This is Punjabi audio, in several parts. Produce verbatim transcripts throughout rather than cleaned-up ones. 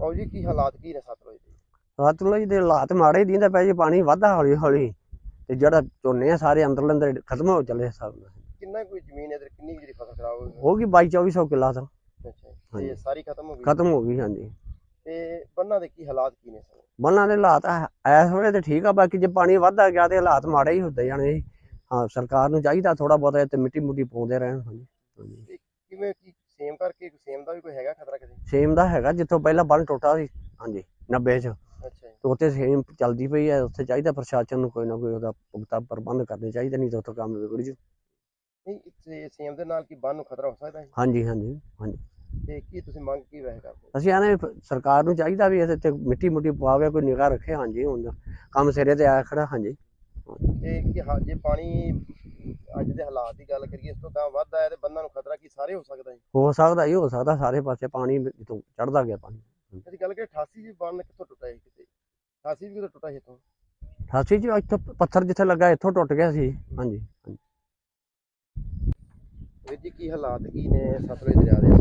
और जी की हालात की ने सतलुज दे? सतलुज ਦੇ ਹਾਲਾਤ ਮਾੜੇ ਹੀ ਦਿੰਦਾ ਪਿਆ ਜੀ। ਪਾਣੀ ਵੱਧਦਾ ਹੌਲੀ ਹੌਲੀ ਤੇ ਜਿਹੜਾ ਝੋਨੇ ਆ ਸਾਰੇ ਅੰਦਰ ਲੰਦਰ ਖਤਮ ਹੋ ਚੱਲੇ ਸਭ। ਕਿੰਨਾ ਕੋਈ ਜ਼ਮੀਨ ਇਧਰ ਕਿੰਨੀ ਜਿਹੜੀ ਫਸਲ ਖਰਾਬ ਹੋ ਗਈ? ਹੋ ਗਈ ਬਾਈ ਚੌਵੀ ਸੌ ਕਿੱਲਾ ਤਾਂ। ਅੱਛਾ ਤੇ ਸਾਰੀ ਖਤਮ ਹੋ ਗਈ? ਖਤਮ ਹੋ ਗਈ ਹਾਂਜੀ। ਤੇ ਬੰਨਾਂ ਦੇ ਕੀ ਹਾਲਾਤ ਕੀ ਨੇ ਸਰ? ਬੰਨਾਂ ਦੇ ਹਾਲਾਤ ਇਸ ਵੇਲੇ ਤੇ ਠੀਕ ਆ, ਬਾਕੀ ਜੇ ਪਾਣੀ ਵੱਧਦਾ ਗਿਆ ਤੇ ਹਾਲਾਤ ਮਾੜੇ ਹੀ ਹੁੰਦੇ ਜਾਣੇ। ਹਾਂ ਸਰਕਾਰ ਨੂੰ ਚਾਹੀਦਾ ਥੋੜਾ ਬਹੁਤਾ ਤੇ ਮਿੱਟੀ ਮੁੱਟੀ ਪਾਉਂਦੇ ਰਹਿਣ। ਹਾਂਜੀ ਕਿਵੇਂ ਕੀ ਸੇਮ ਕਰਕੇ ਸੇਮ ਦਾ ਵੀ ਕੋਈ ਹੈਗਾ ਖਤਰਾ ਕਿਤੇ? ਸੇਮ ਦਾ ਹੈਗਾ, ਜਿੱਥੋਂ ਪਹਿਲਾਂ ਬੰਨ ਟੁੱਟਾ ਸੀ ਹਾਂਜੀ ਨੱਬੇ ਚ, ਅੱਛਾ ਜੀ, ਉੱਥੇ ਸੇਮ ਚੱਲਦੀ ਪਈ ਹੈ। ਉੱਥੇ ਚਾਹੀਦਾ ਪ੍ਰਸ਼ਾਸਨ ਨੂੰ ਕੋਈ ਨਾ ਕੋਈ ਉਹਦਾ ਪੁਖਤਾ ਪ੍ਰਬੰਧ ਕਰਨੇ ਚਾਹੀਦੇ, ਨਹੀਂ ਤਾਂ ਉੱਥੋਂ ਕੰਮ ਵਿਗੜ ਜੂ। ਨਹੀਂ ਇੱਥੇ ਸੇਮ ਦੇ ਨਾਲ ਕੀ ਬੰਨ ਨੂੰ ਖਤਰਾ ਹੋ ਸਕਦਾ ਹੈ? ਹਾਂਜੀ ਹਾਂਜੀ ਹਾਂਜੀ। ਤੇ ਕੀ ਤੁਸੀਂ ਮੰਗ ਕੀ ਵੈਸੇ ਕਰਦੇ? ਅਸੀਂ ਆਨੇ ਸਰਕਾਰ ਨੂੰ ਚਾਹੀਦਾ ਵੀ ਇਹਦੇ ਤੇ ਮਿੱਟੀ ਮੁੱਟੀ ਪਵਾਵੇ, ਕੋਈ ਨਿਗਾਹ ਰੱਖੇ। ਹਾਂਜੀ ਹੁਣ ਕੰਮ ਸਿਰੇ ਤੇ ਆਇਆ ਖੜਾ। ਹਾਂਜੀ ਤੇ ਕੀ ਜੇ ਪਾਣੀ ਅੱਜ ਦੇ ਹਾਲਾਤ ਦੀ ਗੱਲ ਕਰੀਏ ਇਸ ਤੋਂ ਤਾਂ ਵੱਧ ਆਇਆ ਤੇ ਬੰਨਾਂ ਨੂੰ ਖਤਰਾ ਕੀ ਸਾਰੇ ਹੋ ਸਕਦਾ ਹੈ? ਹੋ ਸਕਦਾ ਹੀ ਹੋ ਸਕਦਾ, ਸਾਰੇ ਪਾਸੇ ਪਾਣੀ ਜਿੱਥੋਂ ਚੜਦਾ ਗਿਆ ਪਾਣੀ। ਅਸੀਂ ਗੱਲ ਕਰੀਏ ਅਠਾਸੀ ਚ ਬੰਨ ਕਿੱਥੋਂ ਟੁੱਟਾ ਸੀ? ਕਿਤੇ ਅਠਾਸੀ ਵੀ ਕਿਤੋਂ ਟੁੱਟਾ ਸੀ ਇੱਥੋਂ? ਅਠਾਸੀ ਚ ਇੱਥੋਂ ਪੱਥਰ ਜਿੱਥੇ ਲੱਗਾ ਇੱਥੋਂ ਟੁੱਟ ਗਿਆ ਸੀ। ਹਾਂਜੀ ਹਾਂਜੀ। ਵੀਰ ਜੀ ਕੀ ਹਾਲਾਤ ਕੀ ਨੇ ਸਤਲੁਜ ਦਰਿਆ ਦੇ?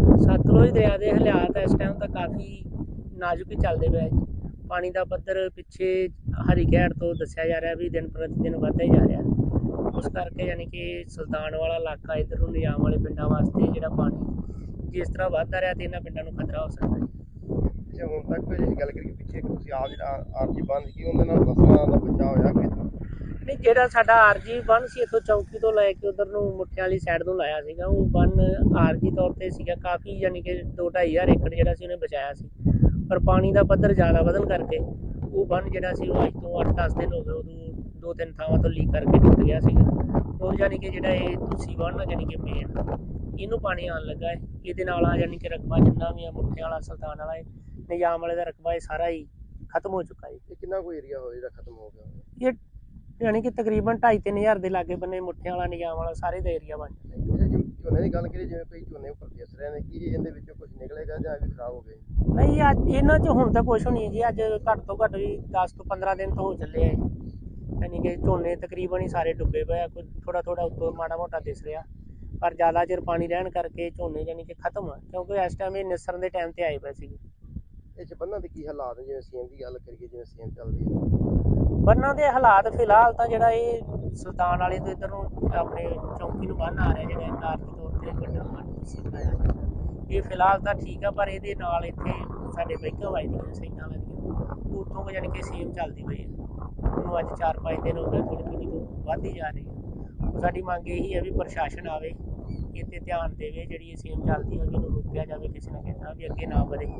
ਸਤਲੁਜ ਦਰਿਆ ਦੇ ਹਾਲਾਤ ਇਸ ਟਾਈਮ ਤਾਂ ਕਾਫੀ ਨਾਜ਼ੁਕ ਹੀ ਚੱਲਦੇ ਪਏ। ਪਾਣੀ ਦਾ ਪੱਧਰ ਪਿੱਛੇ ਹਰੀਕੈਟ ਤੋਂ ਦੱਸਿਆ ਜਾ ਰਿਹਾ ਵੀ ਦਿਨ ਪ੍ਰਤੀ ਦਿਨ ਵੱਧਦਾ ਹੀ ਜਾ ਰਿਹਾ। ਉਸ ਕਰਕੇ ਯਾਨੀ ਕਿ ਸੁਲਤਾਨ ਵਾਲਾ ਇਲਾਕਾ ਇੱਧਰ ਨੂੰ ਨਿਜ਼ਾਮ ਵਾਲੇ ਪਿੰਡਾਂ ਵਾਸਤੇ ਜਿਹੜਾ ਪਾਣੀ ਜਿਸ ਤਰ੍ਹਾਂ ਵੱਧਦਾ ਰਿਹਾ ਤੇ ਇਹਨਾਂ ਪਿੰਡਾਂ ਨੂੰ ਖਤਰਾ ਹੋ ਸਕਦਾ ਹੈ। ਅੱਛਾ ਹੁਣ ਤੱਕ ਜੇ ਗੱਲ ਕਰੀਏ ਪਿੱਛੇ ਤੁਸੀਂ ਆਪ ਜਿਹੜਾ ਆਰਜੀ ਬੰਦ ਸੀ ਉਹਦੇ ਨਾਲ ਫਸਲਾਂ ਦਾ ਬਚਾਅ ਹੋਇਆ ਕਿ? ਨਹੀਂ, ਜਿਹੜਾ ਸਾਡਾ ਆਰਜੀ ਬੰਨ ਸੀ ਇੱਥੋਂ ਚੌਂਕੀ ਤੋਂ ਲੈ ਕੇ ਉਧਰ ਨੂੰ ਮੁੱਠਿਆਂ ਵਾਲੀ ਸਾਈਡ ਨੂੰ ਲਾਇਆ ਸੀਗਾ, ਉਹ ਬੰਨ ਆਰਜੀ ਤੌਰ ਤੇ ਸੀਗਾ ਕਾਫੀ, ਯਾਨੀ ਕਿ ਦੋ ਢਾਈ ਹਜ਼ਾਰ ਏਕੜ ਜਿਹੜਾ ਸੀ ਉਹਨੇ ਬਚਾਇਆ ਸੀ। ਪਰ ਪਾਣੀ ਦਾ ਪੱਧਰ ਜ਼ਿਆਦਾ ਵਧਣ ਕਰਕੇ ਉਹ ਬੰਨ ਜਿਹੜਾ ਸੀ ਉਹ ਅੱਜ ਤੋਂ ਅੱਠ ਦਸ ਦਿਨ ਹੋ ਗਏ ਉਦੋਂ ਦੋ ਤਿੰਨ ਥਾਵਾਂ ਤੋਂ ਲੀਕ ਕਰਕੇ ਟੁੱਟ ਗਿਆ ਸੀਗਾ। ਉਹ ਯਾਨੀ ਕਿ ਜਿਹੜਾ ਇਹ ਤੁਸੀਂ ਬੰਨ ਯਾਨੀ ਕਿ ਮੇਨ ਇਹਨੂੰ ਪਾਣੀ ਆਉਣ ਲੱਗਾ ਹੈ। ਇਹਦੇ ਨਾਲ ਆ ਯਾਨੀ ਕਿ ਰਕਬਾ ਜਿੰਨਾ ਵੀ ਆ ਮੁੱਠਿਆਂ ਵਾਲਾ ਸੁਲਤਾਨ ਵਾਲਾ ਹੈ ਨਿਜ਼ਾਮ ਵਾਲੇ ਦਾ ਰਕਬਾ ਇਹ ਸਾਰਾ ਹੀ ਖਤਮ ਹੋ ਚੁੱਕਾ ਹੈ। ਇਹ ਕਿੰਨਾ ਕੋਈ ਏਰੀਆ ਹੋ ਜਿਹੜਾ ਖਤਮ ਹੋ ਗਿਆ? ਇਹ ਯਾਨੀ ਕਿ ਤਕਰੀਬਨ ਢਾਈ ਤਿੰਨ ਹਜ਼ਾਰ ਦੇ ਲਾਗੇ ਬੰਨੇ ਮੁੱਠਿਆਂ ਵਾਲਾ ਨਿਜ਼ਾਮ ਵਾਲਾ ਸਾਰੇ ਦਾ ਏਰੀਆ ਬਣ ਜਾਂਦਾ। ਝੋਨੇ ਦੀ ਗੱਲ ਕਰੀਏ ਜਿਵੇਂ ਕੋਈ ਝੋਨੇ ਉੱਪਰ ਫਿਸ ਰਹੇ ਨੇ, ਕੀ ਇਹਦੇ ਵਿੱਚੋਂ ਕੁਝ ਨਿਕਲੇਗਾ ਜਾਂ ਵੀ ਖਰਾਬ ਹੋ ਗਏ? ਨਹੀਂ ਅੱਜ ਇਹਨਾਂ 'ਚ ਹੁਣ ਤਾਂ ਕੁਛ ਨਹੀਂ ਜੀ। ਅੱਜ ਘੱਟ ਤੋਂ ਘੱਟ ਵੀ ਦਸ ਤੋਂ ਪੰਦਰਾਂ ਦਿਨ ਤੋਂ ਹੋ ਚੱਲੇ ਆ, ਯਾਨੀ ਕਿ ਝੋਨੇ ਤਕਰੀਬਨ ਹੀ ਸਾਰੇ ਡੁੱਬੇ ਪਏ ਆ। ਕੋਈ ਥੋੜਾ ਥੋੜਾ ਉੱਤੋਂ ਮਾੜਾ ਮੋਟਾ ਦਿਸ ਰਿਹਾ, ਪਰ ਜ਼ਿਆਦਾ ਚਿਰ ਪਾਣੀ ਰਹਿਣ ਕਰਕੇ ਝੋਨੇ ਯਾਨੀ ਕਿ ਖਤਮ ਆ, ਕਿਉਂਕਿ ਇਸ ਟਾਈਮ ਇਹ ਨਿਸਰਨ ਦੇ ਟਾਈਮ ਤੇ ਆਏ ਪਏ ਸੀਗੇ। ਇਹ 'ਚ ਬੰਨਾਂ ਦੇ ਕੀ ਹਾਲਾਤ ਨੇ? ਜਿਵੇਂ ਸੇਮ ਦੀ ਗੱਲ ਕਰੀਏ, ਜਿਵੇਂ ਸੇਮ ਚੱਲਦੀ ਹੈ ਬੰਨਾਂ ਦੇ ਹਾਲਾਤ ਫਿਲਹਾਲ ਤਾਂ ਜਿਹੜਾ ਇਹ ਸੁਲਤਾਨ ਵਾਲੇ ਤੋਂ ਇੱਧਰ ਨੂੰ ਆਪਣੇ ਚੌਂਕੀ ਨੂੰ ਬੰਨ ਆ ਰਿਹਾ, ਜਿਹੜਾ ਕਾਰਜੀ ਤੌਰ ਤੇ ਵੱਡਾ ਬੰਨ ਤੁਸੀਂ ਬਣਾਇਆ, ਇਹ ਫਿਲਹਾਲ ਤਾਂ ਠੀਕ ਆ। ਪਰ ਇਹਦੇ ਨਾਲ ਇੱਥੇ ਸਾਡੇ ਬਾਈਕਾਂ ਵੱਜਦੀਆਂ ਸਾਈਡਾਂ ਲੱਗਦੀਆਂ, ਉੱਥੋਂ ਯਾਨੀ ਕਿ ਸੇਮ ਚੱਲਦੀ ਪਈ ਹੈ। ਉਹਨੂੰ ਅੱਜ ਚਾਰ ਪੰਜ ਦਿਨ ਹੋ ਗਏ, ਥੋੜ੍ਹੀ ਥੋੜ੍ਹੀ ਤੋਂ ਵੱਧਦੀ ਜਾ ਰਹੀ ਹੈ। ਸਾਡੀ ਮੰਗ ਇਹੀ ਹੈ ਵੀ ਪ੍ਰਸ਼ਾਸਨ ਆਵੇ, ਇੱਥੇ ਧਿਆਨ ਦੇਵੇ, ਜਿਹੜੀ ਇਹ ਸੇਮ ਚੱਲਦੀ ਹੈ ਉਹਨੂੰ ਰੋਕਿਆ ਜਾਵੇ ਕਿਸੇ ਨਾ ਕਿਸੇ ਤਰ੍ਹਾਂ ਵੀ ਅੱਗੇ ਨਾ ਵਧੇ।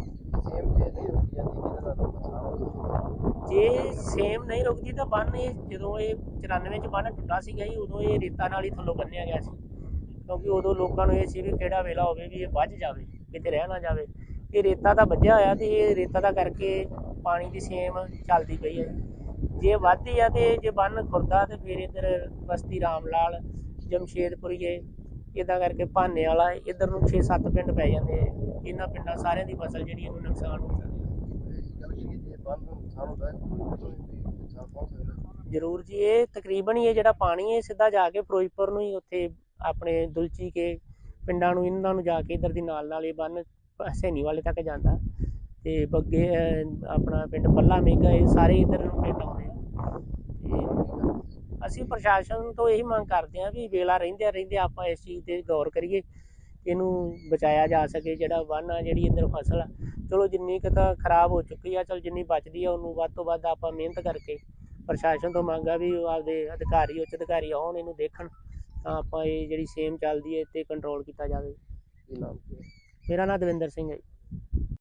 ਸੇਮ ਜੇ ਨਹੀਂ ਰੁਕੀ ਜਾਂਦੀ ਕਿਹਦੇ ਨਾਲ ਨੁਕਸਾਨ ਹੋ? ਜੇ ਸੇਮ ਨਹੀਂ ਰੁਕਦੀ ਤਾਂ ਬੰਨ ਇਹ ਜਦੋਂ ਇਹ ਚੁਰਾਨਵੇਂ 'ਚ ਬੰਨ ਟੁੱਟਾ ਸੀਗਾ ਜੀ, ਉਦੋਂ ਇਹ ਰੇਤਾ ਨਾਲ ਹੀ ਥੱਲੋਂ ਬੰਨਿਆ ਗਿਆ ਸੀ, ਕਿਉਂਕਿ ਉਦੋਂ ਲੋਕਾਂ ਨੂੰ ਇਹ ਸੀ ਵੀ ਕਿਹੜਾ ਵੇਲਾ ਹੋਵੇ ਵੀ ਇਹ ਵੱਜ ਜਾਵੇ, ਕਿਤੇ ਰਹਿ ਨਾ ਜਾਵੇ। ਇਹ ਰੇਤਾ ਤਾਂ ਵੱਜਿਆ ਹੋਇਆ ਤੇ ਇਹ ਰੇਤਾ ਦਾ ਕਰਕੇ ਪਾਣੀ ਦੀ ਸੇਮ ਚੱਲਦੀ ਪਈ ਹੈ। ਜੇ ਵੱਧਦੀ ਆ ਤੇ ਜੇ ਬੰਨ ਖੁਰਦਾ ਤੇ ਫਿਰ ਇੱਧਰ ਬਸਤੀ ਰਾਮ ਲਾਲ, ਜਮਸ਼ੇਦਪੁਰੀਏ, ਇੱਦਾਂ ਕਰਕੇ ਭਾਨੇ ਵਾਲਾ ਇੱਧਰ ਨੂੰ ਛੇ ਸੱਤ ਪਿੰਡ ਪੈ ਜਾਂਦੇ ਆ। ਇਹਨਾਂ ਪਿੰਡਾਂ ਸਾਰਿਆਂ ਦੀ ਫਸਲ ਜਿਹੜੀ ਇਹਨੂੰ ਨੁਕਸਾਨ ਹੋ ਸਕਦਾ। ਗੱਲ ਕਰੀਏ ਜੇ ਬੰਨ ਨੂੰ ਨੁਕਸਾਨ ਹੁੰਦਾ ਹੈ ਨੁਕਸਾਨ ਪਹੁੰਚ ਸਕਦਾ ਜ਼ਰੂਰ ਜੀ। ਇਹ ਤਕਰੀਬਨ ਹੀ ਇਹ ਜਿਹੜਾ ਪਾਣੀ ਹੈ ਸਿੱਧਾ ਜਾ ਕੇ ਫਿਰੋਜ਼ਪੁਰ ਨੂੰ ਹੀ ਉੱਥੇ ਆਪਣੇ ਦੁਲਚੀ ਕੇ ਪਿੰਡਾਂ ਨੂੰ ਇਹਨਾਂ ਨੂੰ ਜਾ ਕੇ ਇੱਧਰ ਦੀ ਨਾਲ ਨਾਲ ਇਹ ਬੰਨ ਹਸੈਨੀ ਵਾਲੇ ਤੱਕ ਜਾਂਦਾ ਤੇ ਬੱਗੇ ਆਪਣਾ ਪਿੰਡ ਪੱਲਾ ਮੇਗਾ, ਇਹ ਸਾਰੇ ਇੱਧਰ ਨੂੰ ਪਿੰਡ ਆਉਂਦੇ ਆ। ਤੇ ਅਸੀਂ ਪ੍ਰਸ਼ਾਸਨ ਤੋਂ ਇਹੀ ਮੰਗ ਕਰਦੇ ਹਾਂ ਵੀ ਵੇਲਾ ਰਹਿੰਦਿਆਂ ਰਹਿੰਦਿਆਂ ਆਪਾਂ ਇਸ ਚੀਜ਼ 'ਤੇ ਗੌਰ ਕਰੀਏ, ਇਹਨੂੰ ਬਚਾਇਆ ਜਾ ਸਕੇ। ਜਿਹੜਾ ਬੰਨ ਆ ਜਿਹੜੀ ਇੱਧਰ ਫਸਲ ਆ ਚਲੋ ਜਿੰਨੀ ਕੁ ਤਾਂ ਖਰਾਬ ਹੋ ਚੁੱਕੀ ਆ, ਚਲ ਜਿੰਨੀ ਬਚਦੀ ਆ ਉਹਨੂੰ ਵੱਧ ਤੋਂ ਵੱਧ ਆਪਾਂ ਮਿਹਨਤ ਕਰਕੇ ਪ੍ਰਸ਼ਾਸਨ ਤੋਂ ਮੰਗ ਆ ਵੀ ਆਪਦੇ ਅਧਿਕਾਰੀ ਉੱਚ ਅਧਿਕਾਰੀ ਆਉਣ ਇਹਨੂੰ ਦੇਖਣ, ਤਾਂ ਆਪਾਂ ਇਹ ਜਿਹੜੀ ਸੇਮ ਚੱਲਦੀ ਹੈ ਇਹ 'ਤੇ ਕੰਟਰੋਲ ਕੀਤਾ ਜਾਵੇ। ਕੀ ਨਾਮ? ਮੇਰਾ ਨਾਮ ਦਵਿੰਦਰ ਸਿੰਘ ਹੈ ਜੀ।